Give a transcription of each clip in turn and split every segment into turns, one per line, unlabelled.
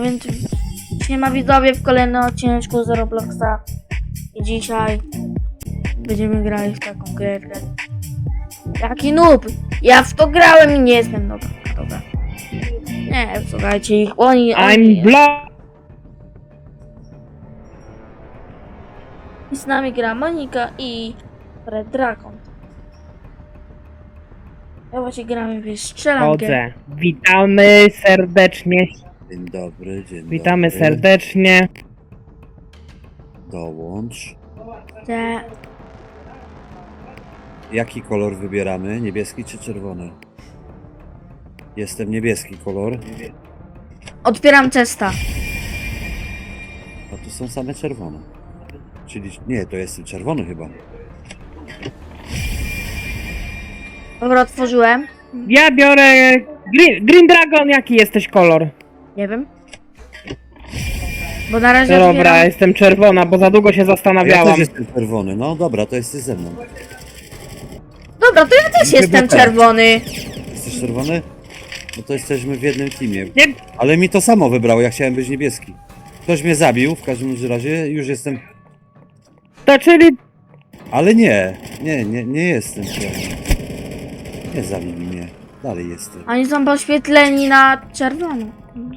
więc siema widzowie w kolejnym odcineczku z Robloxa. I dzisiaj będziemy grali w taką gierkę. Jaki noob! Ja w to grałem i nie jestem dobra. Nie, słuchajcie ich, oni...
I'm block.
I z nami gra Monika i Red Dragon. Ja właśnie gramy w strzelankę.
Chodzę. Witamy serdecznie.
Dzień dobry, dzień
Witamy
dobry.
serdecznie.
Dołącz.
Te...
Jaki kolor wybieramy? Niebieski czy czerwony? Jestem niebieski kolor.
Otwieram testa.
A tu są same czerwone. Czyli nie, to jestem czerwony chyba.
Dobra, otworzyłem.
Ja biorę Green Dragon. Jaki jesteś kolor?
Nie wiem. Bo na razie
Dobra,
otwieram...
jestem czerwona, bo za długo się
Ja
zastanawiałam.
też jestem czerwony. No dobra, to jesteś ze mną.
Dobra, to ja też
Chyba
jestem
tak.
czerwony.
Jesteś czerwony? No to jesteśmy w jednym teamie.
Nie,
Ale mi to samo wybrało, ja chciałem być niebieski. Ktoś mnie zabił, w każdym razie już jestem...
to czyli...
Ale nie jestem czerwony. Nie zabili mnie. Dalej jestem.
Oni są poświetleni na czerwono.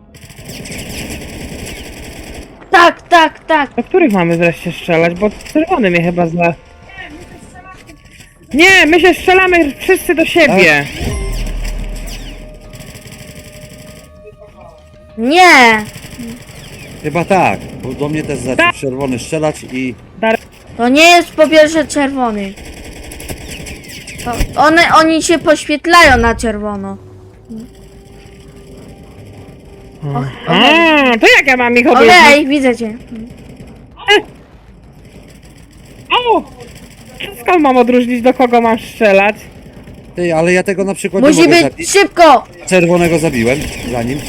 Tak.
Do których mamy wreszcie strzelać? Bo czerwony mnie chyba zna. Nie, my się strzelamy wszyscy do siebie.
Nie!
Chyba tak, bo do mnie też zaczął
Tak.
czerwony strzelać i...
To nie jest po pierwsze czerwony. To oni się poświetlają na czerwono.
A, to jak ja mam ich
Okej,
obejrzeć?
widzę cię.
O! Skąd mam odróżnić, do kogo mam strzelać?
Ty, ale ja tego na przykład nie
Musi
mogę
być
zabić.
szybko!
Czerwonego zabiłem za nim.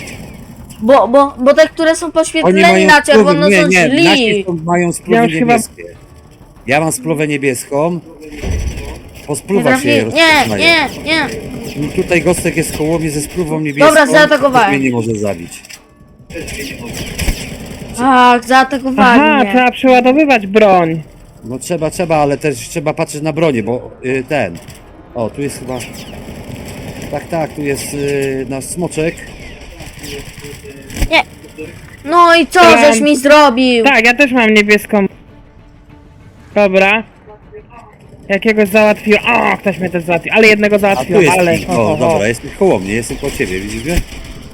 Bo te, które są
Oni
poświetleni
mają
na czerwono
spluwy,
są
nie,
źli.
nasi mają spluwę
Ja już chyba-
niebieskie. Ja mam spluwę niebieską. Po
Nie,
spluwach się je
nie,
rozpoznaje.
nie.
Tutaj Gostek jest koło mnie ze spluwą niebieską.
Dobra, zaatakowałem.
Mnie nie może zabić.
Tak, zaatakowali
Aha,
mnie.
trzeba przeładowywać broń.
No trzeba, ale też trzeba patrzeć na bronię, bo ten... O, tu jest chyba... Tak, tu jest nasz smoczek.
No i co żeś mi zrobił?
Tak, ja też mam niebieską. Dobra. Jakiegoś załatwiłem. O, ktoś mnie też załatwił. Ale jednego
A tu
załatwiłem,
jest
ale...
ping. O, dobra, jestem koło mnie, jestem koło ciebie, widzisz mnie?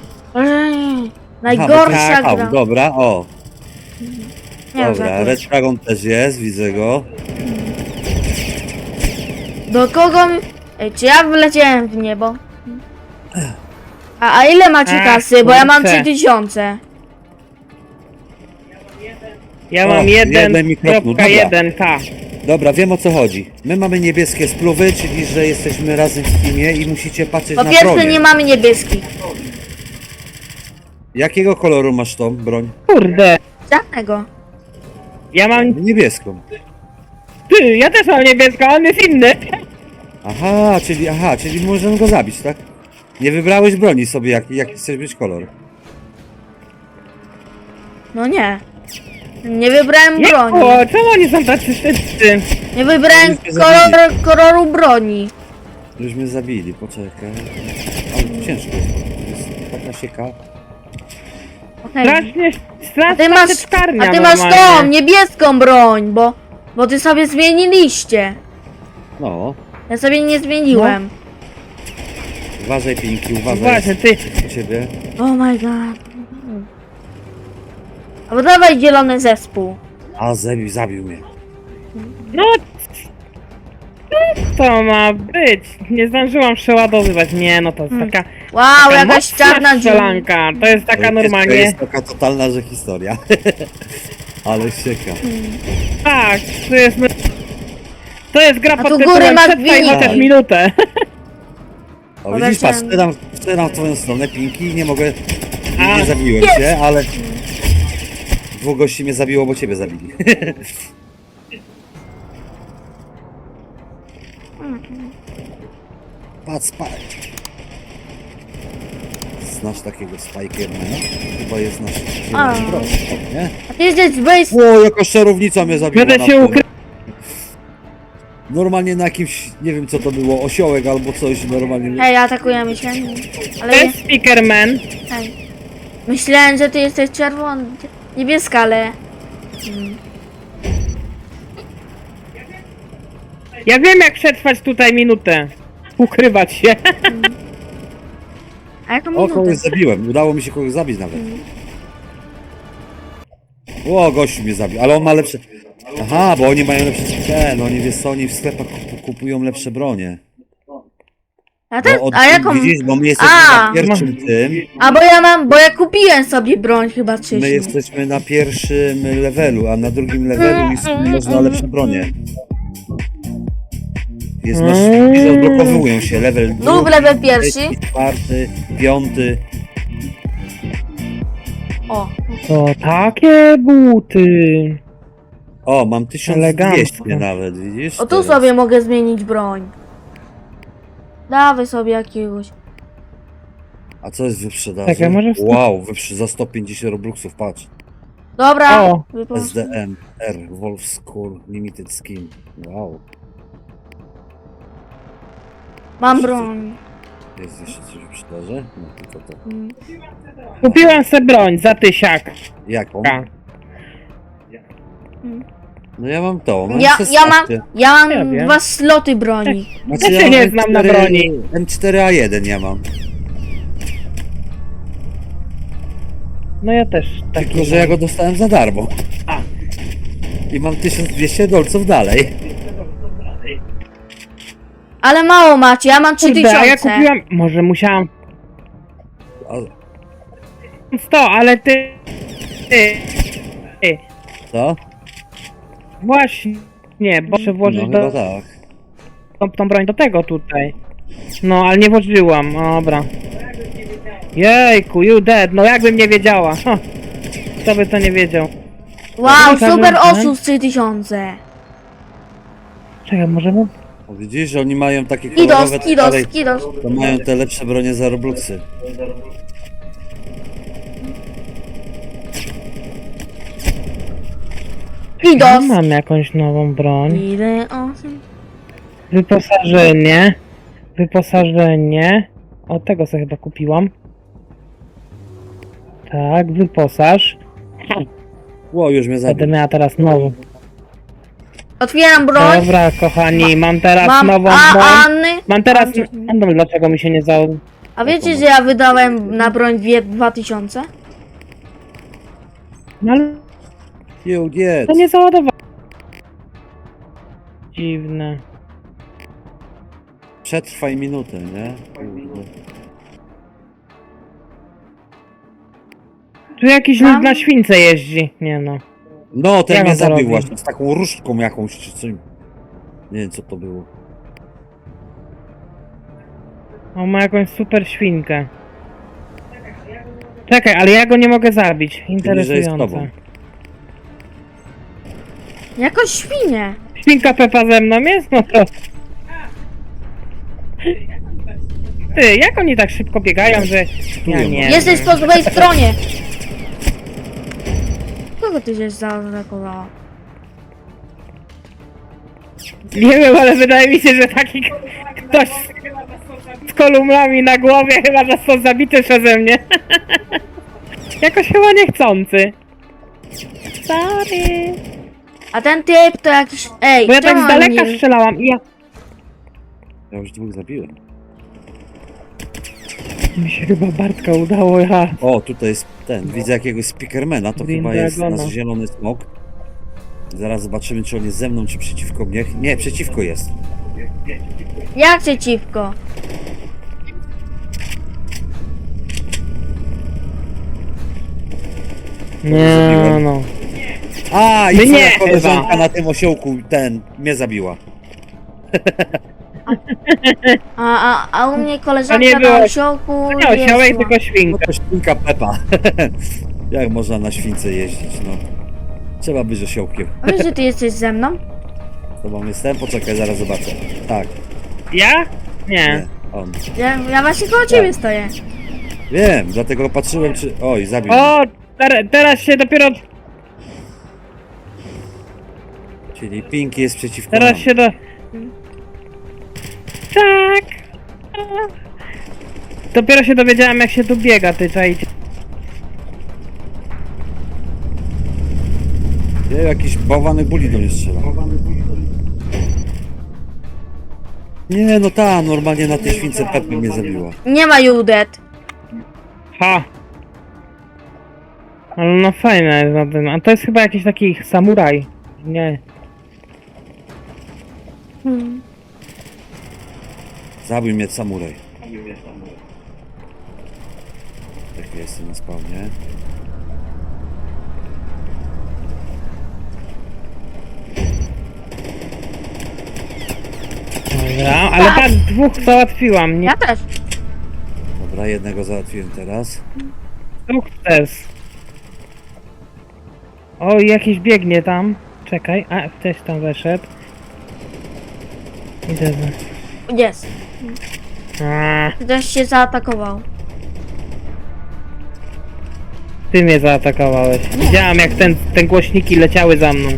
Najgorsza
Aha, bo to
gra.
jest dobra, o.
Nie,
Dobra,
żartuję.
Red Dragon też jest, widzę go.
Do kogo mi... Ej, czy ja wleciałem w niebo? A ile macie
Ach,
kasy? Bo ja mam
kurczę.
3000.
Ja
O,
mam
jeden mikrofon, dobra.
1.1k.
Dobra, wiem o co chodzi. My mamy niebieskie spluwy, czyli że jesteśmy razem w teamie i musicie patrzeć
Po
na
pierwsze
bronię.
nie mamy niebieskich.
Jakiego koloru masz tą broń?
Kurde.
Żadnego.
Ja mam...
Niebieską.
Ty, ja też mam niebieską, on jest inny.
Aha, czyli możemy go zabić, tak? Nie wybrałeś broni sobie, jaki chcesz być kolor.
No nie. Nie wybrałem
Nie,
broni.
o, czemu oni są tacy szybcy?
Nie wybrałem
Oni się zabili.
koloru broni.
Już mnie zabili, poczekaj. Ale to ciężko jest taka sieka.
Okej.
Strasznie,
A
strasznie
ty masz,
teczkarnia
a ty masz tą
normalnie.
niebieską broń, bo ty sobie zmieniliście.
No,
Ja sobie nie zmieniłem.
uważaj Pinki, uważaj.
Właśnie, ty,
U ciebie.
Oh my god. Albo dawaj zielony zespół.
A, zabił mnie.
no... Co to ma być? Nie zdążyłam przeładowywać. Nie, no to jest taka...
Wow,
taka
jakaś
mocna
czarna dziura.
strzelanka. To jest taka
To
normalnie...
jest taka totalna, że historia. Ale sieka.
Tak, to jest... To jest gra
A
pod
tu góry
tytułem
masz
Przetrwaj
winnik.
chociaż minutę.
O,
Dobra,
widzisz, patrz,
chciałem-
strzelam w twoją stronę Pinki i nie mogę...
A,
Nie zabiłem cię, ale... Dwóch gości mnie zabiło, bo ciebie zabili. Patrz. znasz takiego Spikermana? Chyba jest nasz
A.
zielony broń, nie?
A ty jesteś base...
O, jaka szczerownica mnie zabiła.
Będę
na
się
tym.
ukrył.
Normalnie na jakimś, nie wiem co to było, osiołek albo coś, normalnie.
Hej, atakujemy się. Ale
To
nie,
jest Speakerman.
hej. Myślałem, że ty jesteś czerwony, niebieska, ale...
Ja wiem jak przetrwać tutaj minutę. Ukrywać się.
A jaką
O, kogoś
minutę?
zabiłem, udało mi się kogoś zabić nawet. O, gościu mnie zabił, ale on ma lepsze... Aha, bo oni mają lepsze... no oni, wiesz co, oni w sklepach kupują lepsze bronie.
A, ten,
Bo od,
a jaką...
Widzisz, bo my jesteśmy
A.
na pierwszym tym,
A bo ja kupiłem sobie broń chyba wcześniej.
my jesteśmy na pierwszym levelu, a na drugim levelu można lepsze bronie. Jest nasz, odblokowują się level
Lub level pierwszy.
trzeci, czwarty, piąty.
O,
To takie buty.
O, mam 1200
Elegancko.
nawet, widzisz?
o tu
teraz?
sobie mogę zmienić broń. Dawaj sobie jakiegoś.
A co jest w wyprzedaży?
Czekaj, może w-
Wow, za 150 robluxów, patrz.
Dobra.
O.
wypożycz-
SDM, R, Wolf Skull, Limited Skin. Wow.
Mam broń.
Jest jeszcze coś w wyprzedaży? No tylko to.
Mm.
Kupiłem sobie broń za 1000.
Jaką?
Tak.
No ja mam to, mam
Ja
16.
mam
Ja wiem.
2 sloty broni.
Znaczy,
Ja się
mam
nie znam na broni.
M4A1 ja mam.
No ja też taki.
Tylko, że ja go dostałem za darmo.
A.
I mam 1200 dolców dalej.
Ale mało macie, ja mam
Kurde, a ja
3000.
kupiłam. Może musiałam
A,
100, ale ty. Ty.
co?
Właśnie, bo muszę włożyć
No chyba
do,
tak.
tą broń do tego tutaj. No, ale nie włożyłam, dobra. Jejku, you dead, no jakbym nie wiedziała. Ha. Kto by to nie wiedział?
Wow,
Dobra,
super
dobra.
osus 3000.
Czekaj, możemy...
O, widzisz, oni mają takie kolorowe
Kidos,
dalej,
kidos, kidos.
to mają te lepsze bronie za robluxy.
Ja
Kidos.
mam jakąś nową broń.
Ile osób?
Wyposażenie. Wyposażenie. O, tego sobie chyba kupiłam. Tak, wyposaż.
Ło, już mnie
Będę
zabił.
miała teraz nową.
Otwieram broń.
Dobra, kochani, mam teraz
Mam
nową broń.
Anny.
Mam teraz... Nie wiem, dlaczego mi się nie zało...
A wiecie, że ja wydałem na broń 2000?
No ale
Nie,
to nie załadowało. Dziwne.
Przetrwaj minutę, nie? Kurde.
Tu jakiś lud na śwince jeździ. Nie no.
No, ten
Jak
mnie
on to
zabił
robi?
właśnie, z taką różdżką jakąś, czy coś. Nie wiem co to było.
On ma jakąś super świnkę. Czekaj, ale ja go nie mogę zabić.
Czyli, że jest
Interesujące.
tobą.
Jakąś świnię.
Świnka Pepa ze mną jest? No to... Ty, jak oni tak szybko biegają, że... Ja nie
Jesteś
wiem.
po złej stronie. Kogo ty się zaatakowała?
Nie wiem, ale wydaje mi się, że taki ktoś z kolumnami na głowie chyba został zabity przeze mnie. Jakoś chyba niechcący. Sorry.
A ten typ to jakiś... Ej,
Bo ja tak
czemu
z
on
daleka
nie...
strzelałam i ja...
Ja już dwóch zabiłem.
Mi się chyba Bartka udało, ja...
O, tutaj jest ten, widzę jakiegoś speakermana, to
Green
chyba jest
Dragona.
nasz zielony smok. Zaraz zobaczymy, czy on jest ze mną, czy przeciwko mnie. Nie, przeciwko jest.
Jak przeciwko?
Nie no.
A, i
My
twoja
nie,
koleżanka
chyba.
na tym osiołku, mnie zabiła.
A u mnie
To nie
koleżanka
było-
na osiołku
To nie osiołek,
jeździła.
tylko
No
świnka.
to świnka Pepa. Jak można na śwince jeździć, no. Trzeba być osiołkiem.
A wiesz, że ty jesteś ze mną?
Z tobą jestem? Poczekaj, zaraz zobaczę. Tak,
Ja? Nie.
nie, on.
Ja właśnie koło ciebie stoję.
Wiem, dlatego patrzyłem czy... Oj, zabił mnie.
O! Teraz się dopiero...
Czyli Pinki jest przeciwko
Teraz
nam.
się do... Tak! Dopiero się dowiedziałem, jak się tu biega, ty czajcie.
Nie, jakiś bałwany buli do mnie strzela. Nie, no ta, normalnie na tej śwince Pepy mnie zabiła.
Nie ma Judet.
Ha! Ale no fajne jest na tym. A to jest chyba jakiś taki samuraj. Nie.
Zabił mnie samuraj. Tak jestem na spawnie.
Dobra, ale tak dwóch załatwiłam, nie?
Ja też.
Dobra, jednego załatwiłem teraz.
Sukces. O, jakiś biegnie tam. Czekaj, a ktoś tam weszedł. Idę za...
Jest.
A,
Ktoś się zaatakował.
ty mnie zaatakowałeś. Widziałam jak te głośniki leciały za mną.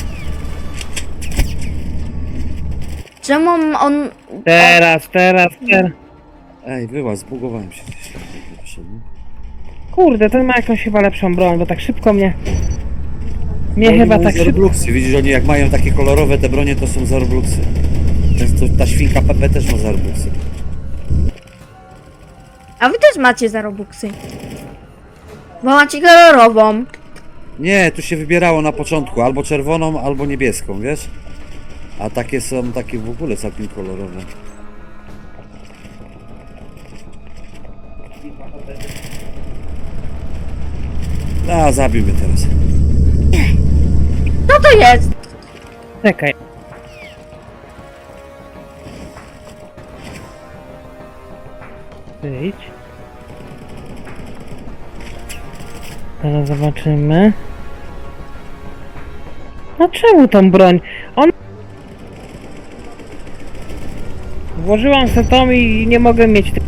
Czemu on...
Teraz.
Ej, była, zbugowałem się gdzieś. Wyszedłem.
Kurde, ten ma jakąś chyba lepszą broń, bo tak szybko mnie... Mnie
Oni
chyba
mają
tak
za
szybko...
Robluxy. Widzisz, oni jak mają takie kolorowe te bronie, to są za Robluxy. Ta świnka Pepe też ma za Robluxy.
A wy też macie za Robuxy. Bo macie kolorową.
Nie, tu się wybierało na początku albo czerwoną, albo niebieską, wiesz? A takie są takie w ogóle całkiem kolorowe. A, zabił mnie teraz.
Co to jest?
Czekaj. Wyjdź. Teraz zobaczymy. No czemu tą broń? Włożyłam se tą i nie mogę mieć tej...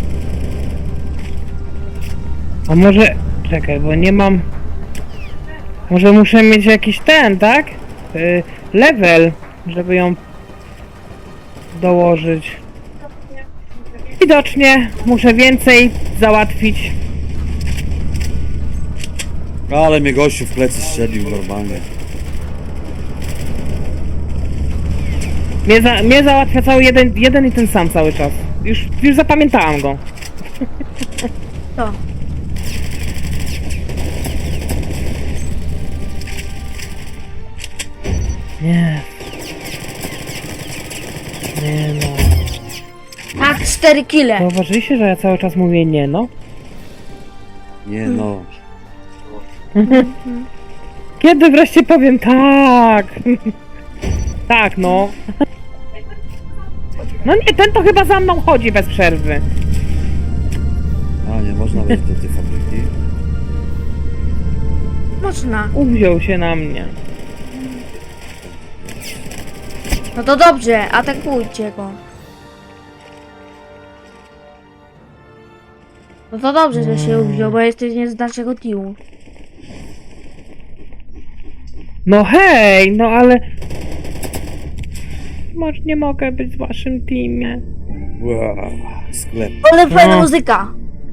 A może... Czekaj, bo nie mam... Może muszę mieć jakiś ten, tak? Level, żeby ją dołożyć. Widocznie muszę więcej załatwić.
Ale mnie gościu w plecy strzelił normalnie.
Mnie załatwia cały jeden i ten sam cały czas. Już zapamiętałam go.
To.
Nie. Nie no.
Tak, 4 kile.
Zauważyliście, że ja cały czas mówię nie no?
Nie no.
Kiedy wreszcie powiem tak? Tak no. No nie, ten to chyba za mną chodzi bez przerwy.
A nie można wejść do tej fabryki.
Można.
Uwziął się na mnie.
No to dobrze, atakujcie go. No to dobrze, że się uwziął, bo jesteś nie z naszego teamu.
No hej, no ale... Może nie mogę być w waszym teamie.
Wow, sklep.
Ale fajna
No.
muzyka.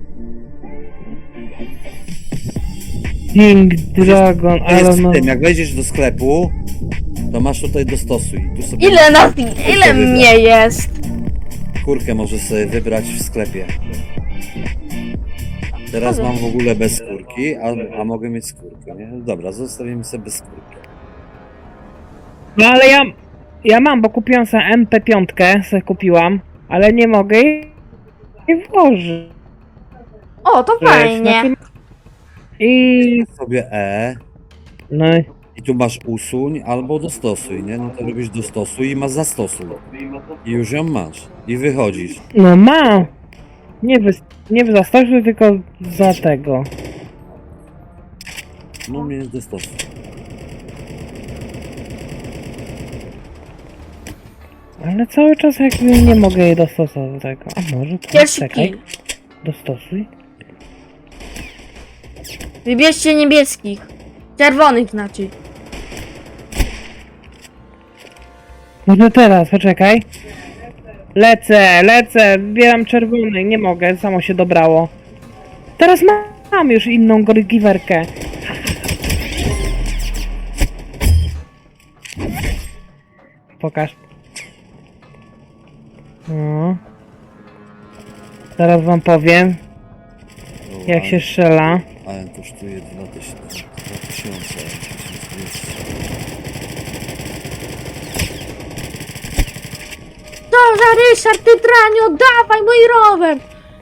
King Dragon,
To
ale
jest
no...
w tym, jak wejdziesz do sklepu, to masz tutaj dostosuj. Tu sobie
Ile nas, ile mnie jest?
skórkę możesz sobie wybrać w sklepie. Teraz mam w ogóle bez skórki, a mogę mieć skórkę, nie? Dobra, zostawimy sobie bez skórki.
No ale ja mam, bo kupiłam sobie MP5, sobie kupiłam, ale nie mogę jej włożyć.
O, to fajnie.
Znaczy- I...
Sobie
No
i tu masz usuń albo dostosuj, nie? No to robisz dostosuj i masz zastosuj. I już ją masz. I wychodzisz.
no mam. Nie w zastosu, tylko za tego.
No mnie dostosuj.
Ale cały czas jakby nie mogę jej dostosować do tego. A może to?
Pierwszy
Czekaj.
kill.
Dostosuj.
Wybierzcie niebieskich. Czerwonych znaczy.
Może teraz, poczekaj. Lecę, wybieram czerwony, nie mogę, samo się dobrało. Teraz mam już inną giwerkę. Pokaż. No. Zaraz wam powiem, jak się strzela.
AM kosztuje 2000.
Co za Ryszard, ty tranio, dawaj mój rower!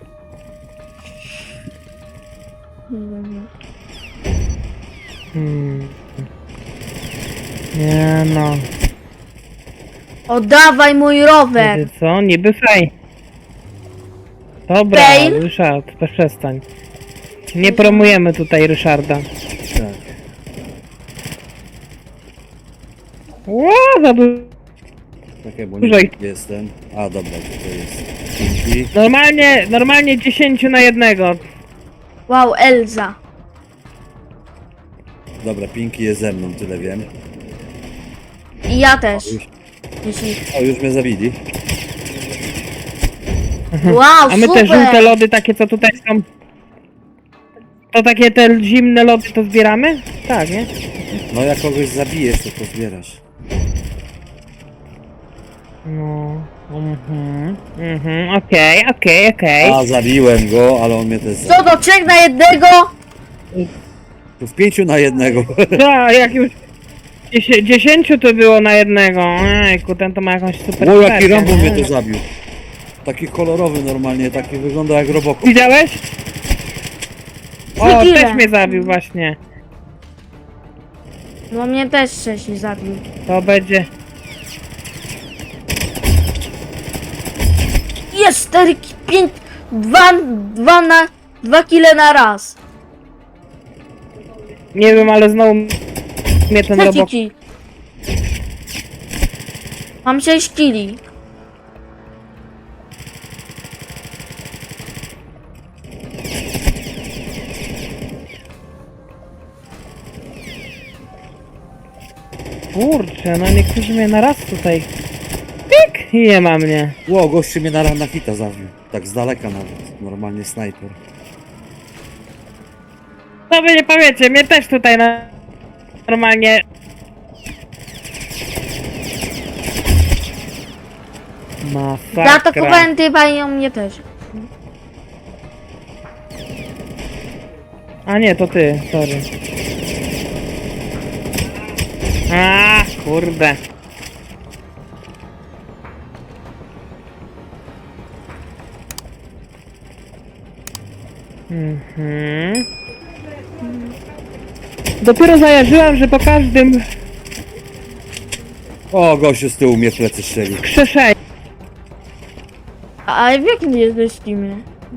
Nie no.
Oddawaj mój rower!
Wiecie co? Niby faj. Dobra,
Fail?
Ryszard, przestań. Nie promujemy tutaj Ryszarda.
Tak.
Ła, za dużo.
Takie, bo
Dużo
nie
ich.
jestem. A dobra, to jest Pinki.
Normalnie 10 na 1.
Wow, Elza.
Dobra, Pinki jest ze mną, tyle wiem.
I ja też. Jeśli...
O, już mnie zabili.
Wow,
A my te
super!
żółte lody takie co tutaj są. To takie te zimne lody to zbieramy? Tak, nie?
No jak kogoś zabijesz, to zbierasz.
No. Okej.
A, zabiłem go, ale on mnie też zabił.
Co do 3 na 1?
Tu w 5 na 1.
Tak, jak już 10 to było na 1. Ejku, ten to ma jakąś super
O, jaki
perkę,
Rambo
nie?
mnie tu zabił. Taki kolorowy normalnie, taki wygląda jak Robocop.
Widziałeś? O,
Widziałem.
też mnie zabił właśnie.
No mnie też wcześniej zabił.
To będzie...
Jest 4, 5, 2 kile na raz.
Nie wiem, ale znowu mnie ten
Trzeci
robok...
kill. Mam 6 kili.
Kurczę, no niektórzy mnie na raz tutaj... Pik! I nie ma mnie.
Ło, gościu mnie na hita zabił. Tak z daleka nawet. Normalnie snajper.
No wy nie powiecie, mnie też tutaj normalnie... Masakra.
Zaatakowałem typa i on mnie też.
A nie, to ty, sorry. A, kurde. Dopiero zajarzyłam, że po każdym
O, gościu z tyłu mnie w plecy strzelił.
krzeszeniu
A w jakim jesteś teamie?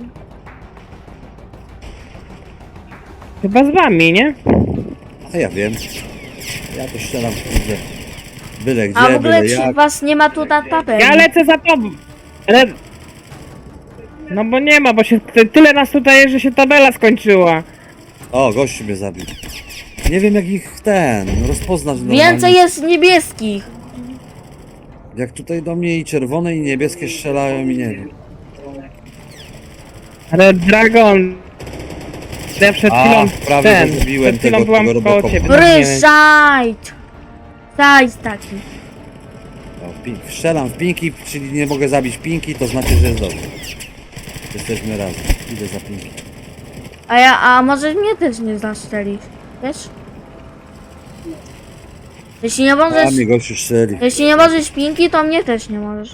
chyba z wami, nie?
A ja wiem. Ja to strzelam kurde. Byle gdzie,
A w ogóle
byle
czy
jak.
was nie ma tu na tabeli?
Ja lecę za tobą. Ale... No bo nie ma, bo się tyle nas tutaj jest, że się tabela skończyła.
O, gościu mnie zabił. Nie wiem jak ich rozpoznać normalnie.
Więcej jest niebieskich.
Jak tutaj do mnie i czerwone i niebieskie strzelają i nie wiem.
Red Dragon. Ja przed
A,
chwilą
prawie go zabiłem,
przed chwilą
tego
byłam koło
Robocopa.
ciebie. no nie wiem.
Ryszard! Sajs taki.
O, strzelam w Pinki, czyli nie mogę zabić Pinki, to znaczy, że jest dobrze. Jesteśmy razem. Idę za Pinki.
A może mnie też nie zastrzelisz? Wiesz? Jeśli nie
A
możesz...
mnie gościu strzeli.
Jeśli nie możesz pinki, to mnie też nie możesz.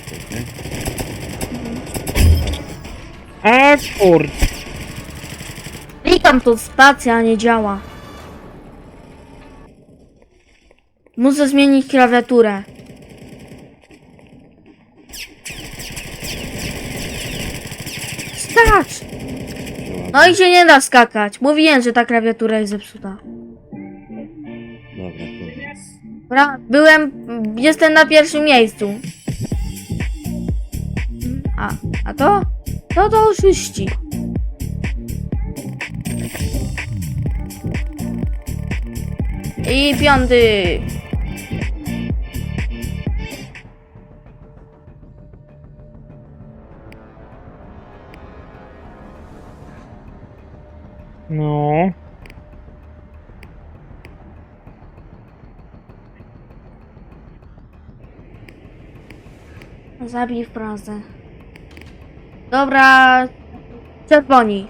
A kurde.
Klikam tu spacja, nie działa. Muszę zmienić klawiaturę. Skacz! No i się nie da skakać. Mówiłem, że ta klawiatura jest zepsuta.
Dobra, koniec.
Jestem na pierwszym miejscu. A to? To oszuści. I 5.
No.
Zabij w Pradze. Dobra. Czerwoni.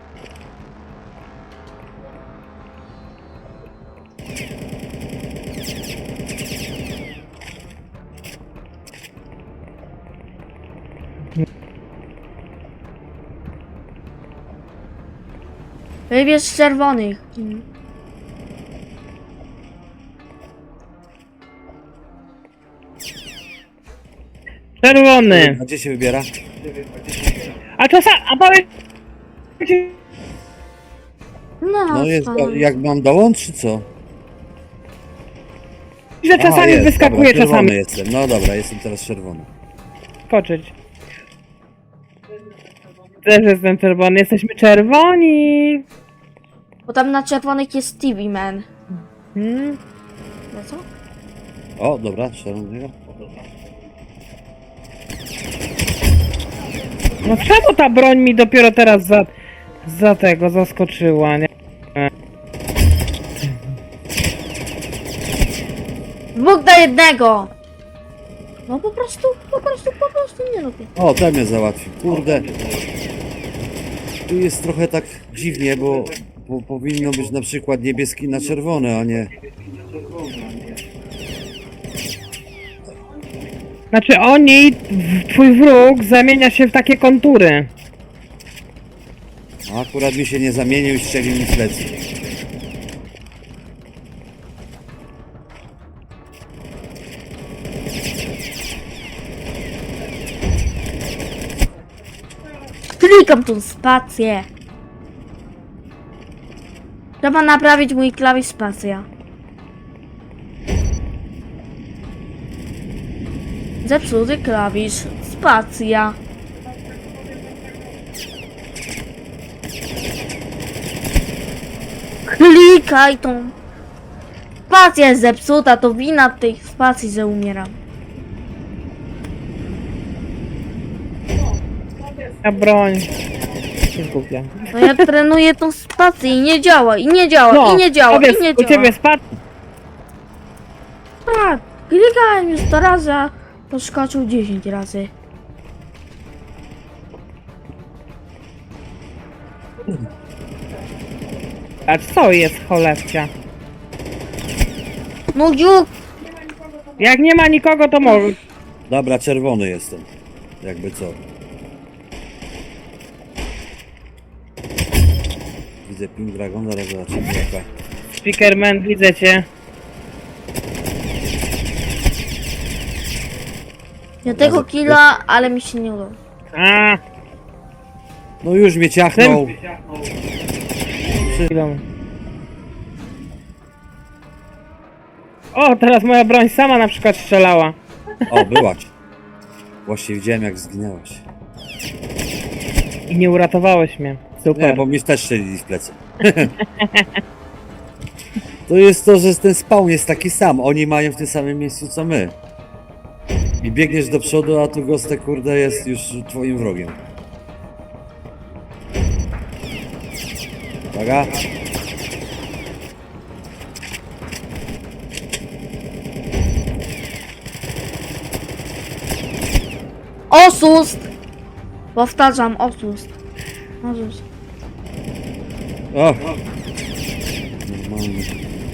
Wybierz czerwonych.
Czerwony.
A gdzie się wybiera?
A czasami... A powiedz...
No,
No jest,
spokojnie.
jak mam dołącz, czy co?
Że czasami
jest,
wyskakuje,
dobra, czerwony
czasami...
jestem, no dobra, jestem teraz czerwony.
Skoczyć. Też jestem czerwony, jesteśmy czerwoni!
Bo tam na czerwonych jest Stevie Man.
Hmm?
No co?
O, dobra, czerwonego.
No czemu ta broń mi dopiero teraz za tego zaskoczyła, nie?
2 do 1. No po prostu nie lubię.
O, ten mnie załatwił, kurde. Tu jest trochę tak dziwnie, bo powinno być na przykład niebieski na czerwony, a nie...
Znaczy oni, twój wróg zamienia się w takie kontury.
A akurat mi się nie zamienił i strzelił mi w plecy.
Klikam tą spację. Trzeba naprawić mój klawisz spacja. Zepsuty klawisz spacja. Klikaj tą. Spacja jest zepsuta, to wina tej spacji, że umieram.
Ta broń. Się zgubia.
No ja trenuję tą spację i nie działa, i nie działa,
No,
i nie działa,
powiedz,
i nie
u
działa.
ciebie spadł.
Tak, klikałem już 100 razy, a poskoczył 10 razy.
A co jest cholewcia?
No dziuk!
Jak nie ma nikogo, to może.
Dobra, czerwony jestem. Jakby co. Widzę Pink Dragon, zaraz zobaczymy jaka.
Speakerman, widzę cię.
Ja tego killa, ale mi się nie udało.
A,
No już mnie ciachnął.
chwilą. O, teraz moja broń sama na przykład strzelała.
O, byłaś. Właśnie widziałem jak zginęłaś.
I nie uratowałeś mnie. Super.
Nie, bo mi też strzelili w plecy. To jest to, że ten spawn jest taki sam. Oni mają w tym samym miejscu co my. I biegniesz do przodu, a tu gostek kurde jest już twoim wrogiem. Uwaga.
Oszust! Powtarzam, oszust. Oszust.
O! Normalnie.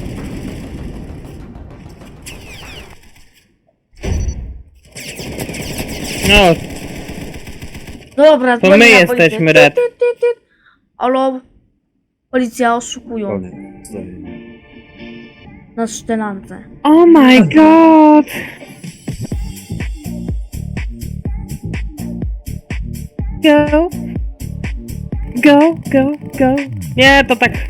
No,
Dobra,
To
dzwonię
my
na
jesteśmy,
policję.
Red.
Ty. Alo? Policja oszukują
Koniec. Stoi.
na szczelance.
oh my god! Go! Go! Nie, to tak...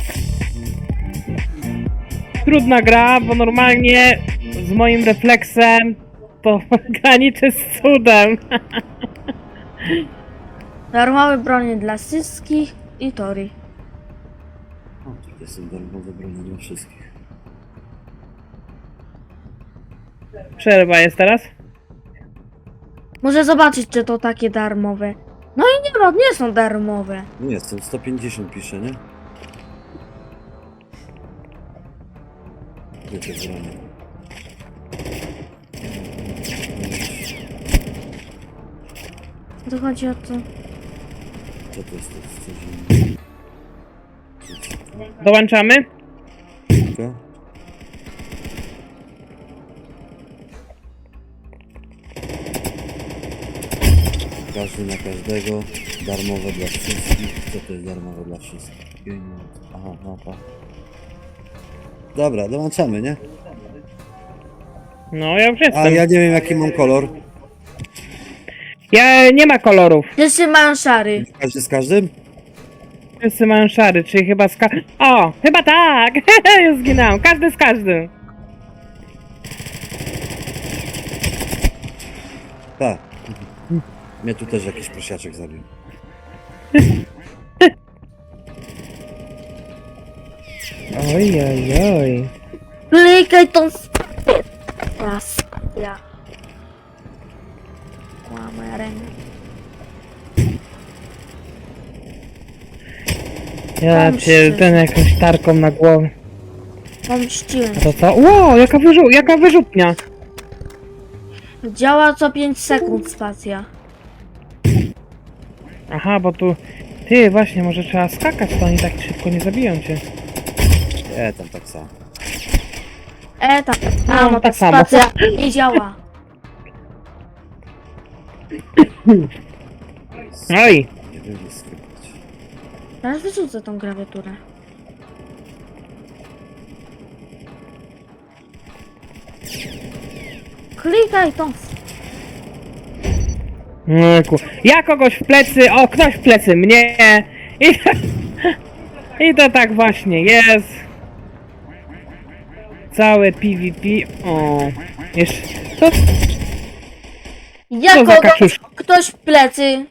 Trudna gra, bo normalnie z moim refleksem to graniczy z cudem.
Darmowe bronie dla wszystkich i Tori.
O, tutaj są darmowe broni dla wszystkich.
Przerwa jest teraz?
Muszę zobaczyć, czy to takie darmowe. No i nie ma, nie są darmowe.
Nie, są 150 pisze, nie? Wiecie, w ramię.
To chodzi o to.
Co to jest? To jest coś innego.
Dołączamy?
Tylko? Każdy na każdego. Darmowe dla wszystkich. Co to jest darmowe dla wszystkich? Pieniądze. Aha, mapa. Dobra, dołączamy, nie?
No, ja już
A
jestem.
ja nie wiem jaki mam kolor.
Ja nie ma kolorów.
Wszyscy mają szary.
Każdy z każdym?
Wszyscy mają szary, czyli chyba O, chyba tak! Już zginąłem. Każdy z każdym.
Tak. Mnie tu też jakiś prosiaczek zabił.
Oj, oj, oj.
Klikaj tą spację. Raz. Ja. Ła, moja ręka.
Ja cię ten jakąś tarką na głowę.
Pomściłem.
A to co? Ło, jaka wyrzutnia.
Działa co 5 sekund spacja.
Aha, bo tu... Ty, właśnie, może trzeba skakać, to oni tak szybko nie zabiją cię.
Tam tak samo.
Tak.
No,
No,
tak
tak
samo.
spacja nie działa.
Oj!
Nie wiem, jak skrypać.
Teraz wyrzucę tą klawiaturę. Klikaj tą.
Ojku. Ja kogoś w plecy, o, ktoś w plecy mnie. I to tak właśnie jest. Całe PvP. O, jeszcze... To,
Ja
Co za
kogoś,
kaczuszka?
ktoś w plecy.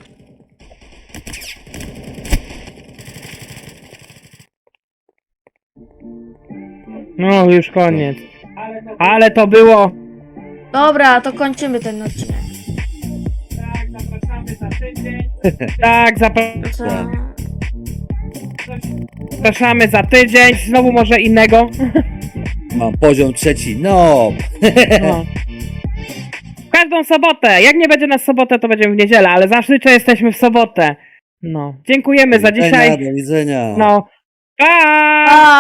no, już koniec. Ale to było...
Dobra, to kończymy ten odcinek.
Tak, zapraszamy za tydzień. Znowu może innego.
Mam poziom 3. No!
No. W każdą sobotę. Jak nie będzie na sobotę, to będziemy w niedzielę, ale zazwyczaj jesteśmy w sobotę. No. Dziękujemy za dzisiaj.
Do widzenia.
No. Pa!
Pa!